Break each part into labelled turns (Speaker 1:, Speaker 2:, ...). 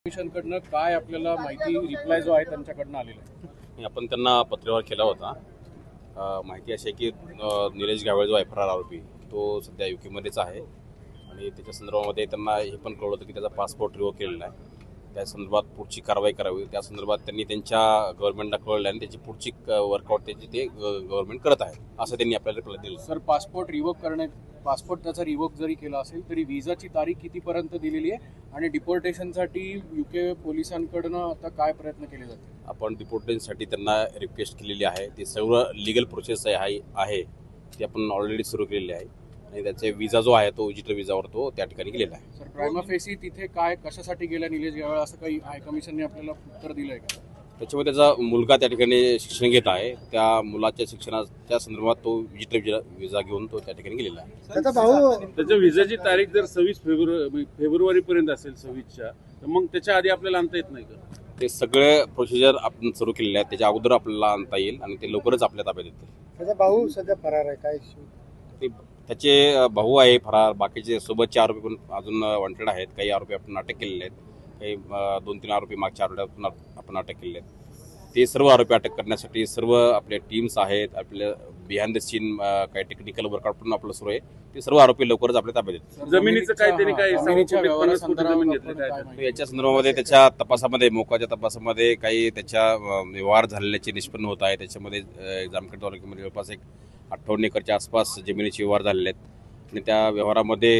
Speaker 1: कमिशनकडनं काय आपल्याला माहिती रिप्लाय जो आहे त्यांच्याकडनं आलेला आहे?
Speaker 2: आपण त्यांना पत्रव्यवहार केला होता. माहिती अशी आहे की निलेश गावळे जो आहे फरार आरोपी तो सध्या युकेमध्येच आहे आणि त्याच्या संदर्भामध्ये त्यांना हे पण कळलं होतं की त्याचा पासपोर्ट रिवोक केलेला आहे. त्या संदर्भात पुढची कारवाई करावी त्या संदर्भात त्यांनी त्यांच्या गव्हर्नमेंटला कळलं आणि त्याची पुढची वर्कआउट त्याची ते गव्हर्नमेंट करत आहे असं त्यांनी आपल्याला रिप्लाय दिलं.
Speaker 1: सर, पासपोर्ट त्याचा रिवोक जरी केला असेल तरी विजाची तारीख कितीपर्यंत दिलेली आहे आणि डिपोर्टेशनसाठी युके पोलिसांकडनं आता काय प्रयत्न केले जाते?
Speaker 2: आपण डिपोर्टेशनसाठी त्यांना रिक्वेस्ट केलेली आहे. ती सर्व लिगल प्रोसेस आहे ती आपण ऑलरेडी सुरू केलेली आहे आणि त्याचे विजा जो आहे तो विजिटर विजावर तो त्या ठिकाणी गेलेला आहे.
Speaker 1: सर, प्रायमा फेसी तिथे काय कशासाठी गेला निलेश गावळे असं काही हाय कमिशनने आपल्याला उत्तर दिलं आहे का?
Speaker 2: त्याच्यामुळे त्याचा मुलगा त्या ठिकाणी शिक्षण घेत आहे. त्या मुलाच्या शिक्षणाच्या संदर्भात तो विजिटर विजा घेऊन तो त्या ठिकाणी गेलेला आहे.
Speaker 3: त्याचा भाऊ
Speaker 4: त्याच्या विजाची तारीख जर 26 फेब्रुवारीपर्यंत असेल 26च्या तर मग त्याच्या आधी आपल्याला आणता येत नाही का?
Speaker 2: ते सगळे प्रोसिजर आपण सुरू केलेले आहेत. त्याच्या अगोदर आपल्याला आणता येईल आणि ते लवकरच आपल्या ताब्यात येतील.
Speaker 3: त्याचा भाऊ सध्या फरार आहे. काय
Speaker 2: ते त्याचे भाऊ आहे फरार. बाकीचे सोबतचे आरोपी पण अजून वॉन्टेड आहेत. काही आरोपी आपण अटक केलेले आहेत. काही 2-3 आरोपी मागच्या आठवड्यातून आपण अटक केलेले आहेत. ते सर्व आरोपी अटक करण्यासाठी सर्व आपल्या टीम्स आहेत. आपल्या बिहाइंड द सीन काही टेक्निकल वर्कआउट पण आपलं सुरू आहे. ते सर्व आरोपी लवकरच आपल्या ताब्यात येतील.
Speaker 4: जमिनीचं काय त्यांनी काय
Speaker 1: जमिनीच्या
Speaker 4: जमीन
Speaker 1: व्यवहारासंदर्भात
Speaker 4: घेतलं काय?
Speaker 1: काय माहिती?
Speaker 2: याच्या संदर्भामध्ये त्याच्या तपासामध्ये मोकाच्या तपासामध्ये काही त्याच्या व्यवहार झालेल्याचे निष्पन्न होत आहे. त्याच्यामध्ये जामखेड तालुक्यामध्ये जवळपास 58 एकरच्या आसपास जमिनीचे व्यवहार झालेले आहेत आणि त्या व्यवहारामध्ये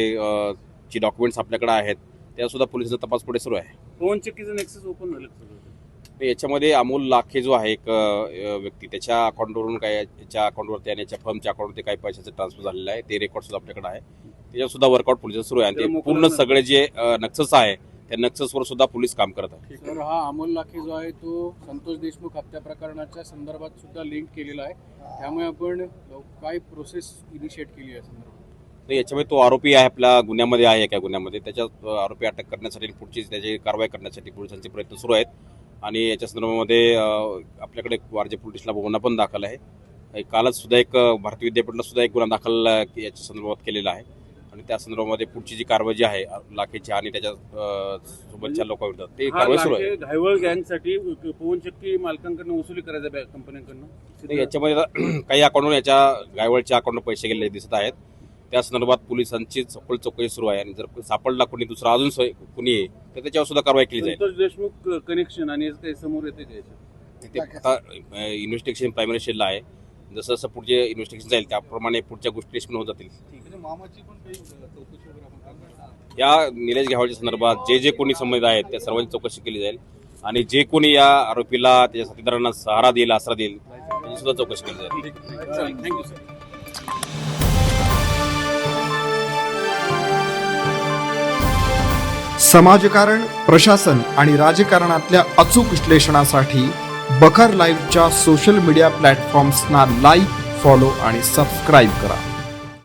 Speaker 2: जी डॉक्युमेंट्स आपल्याकडे आहेत त्या सुद्धा पोलिसांचा तपास पुढे सुरू आहे.
Speaker 4: फोन चेकीचं नेक्सस ओपन झालं सगळं.
Speaker 2: याच्यामध्ये अमोल लाखे जो आहे एक व्यक्ती त्याच्या अकाउंटवरून काय याच्या अकाउंटवरती आणि याच्या फर्मच्या अकाउंटवरती काही पैशाचं ट्रान्सफर झालेलं आहे. ते रेकॉर्ड सुद्धा आपल्याकडे आहे. त्याच्यावर सुद्धा वर्कआउट पोलिस सुरू आहे आणि ते पूर्ण सगळे जे नक्सस आहे त्या नक्ससवर सुद्धा पोलीस काम करत आहे.
Speaker 1: सर, हा अमोल लाखे जो आहे तो संतोष देशमुख हत्या प्रकरणाच्या संदर्भात सुद्धा लिंक केलेला आहे. त्यामुळे आपण काय प्रोसेस इनिशिएट केली आहे संदर्भात?
Speaker 2: तर याच्यामध्ये तो आरोपी आहे आपल्या गुन्ह्यामध्ये आहे. एका गुन्ह्यामध्ये त्याच्या आरोपी अटक करण्यासाठी पुढची त्याची कारवाई करण्यासाठी पोलिसांचे प्रयत्न सुरू आहेत आणि याच्या संदर्भामध्ये आपल्याकडे वारजे पोलिसला गुन्हा पण दाखल आहे. कालच सुद्धा एक भारतीय विद्यापीठला सुद्धा एक गुन्हा दाखल याच्या संदर्भात केलेला आहे आणि त्या संदर्भामध्ये पुढची जी कारवाई जी आहे लाखेची आणि त्याच्या सोबतच्या लोकांविरोधात ते कारवाई सुरू आहे.
Speaker 4: घायवळ गँगसाठी पवन चक्की मालकांकडून वसुली करायचं कंपन्यांकडून.
Speaker 2: याच्यामध्ये काही अकाउंटवर याच्या गायवळच्या अकाउंटवर पैसे गेलेले दिसत आहेत. त्या संदर्भात पोलिसांची सखोल चौकशी सुरू आहे आणि जर सापडला कोणी दुसरा अजून कोणी तर त्याच्यावर सुद्धा कारवाई केली जाईल.
Speaker 4: संतोष देशमुख कनेक्शन आणि काही समोर येते
Speaker 2: ते आता इन्व्हेस्टिगेशन प्रायमरी स्टेजला आहे. जसं जसं पुढचे इन्व्हेस्टिगेशन जाईल त्याप्रमाणे पुढच्या गोष्टी निष्पन्न होत जातील. या निलेश गावळेच्या संदर्भात जे कोणी संबंधित आहेत त्या सर्वांची चौकशी केली जाईल आणि जे कोणी या आरोपीला त्याच्या साथीदारांना सहारा देईल आसरा देईल त्याची सुद्धा चौकशी केली जाईल.
Speaker 1: Thank you sir.
Speaker 5: समाजकारण, प्रशासन आणि राजकारणातल्या अचूक विश्लेषणासाठी बखर लाईव्हच्या सोशल मीडिया प्लॅटफॉर्म्सना लाईक, फॉलो आणि सबस्क्राईब करा.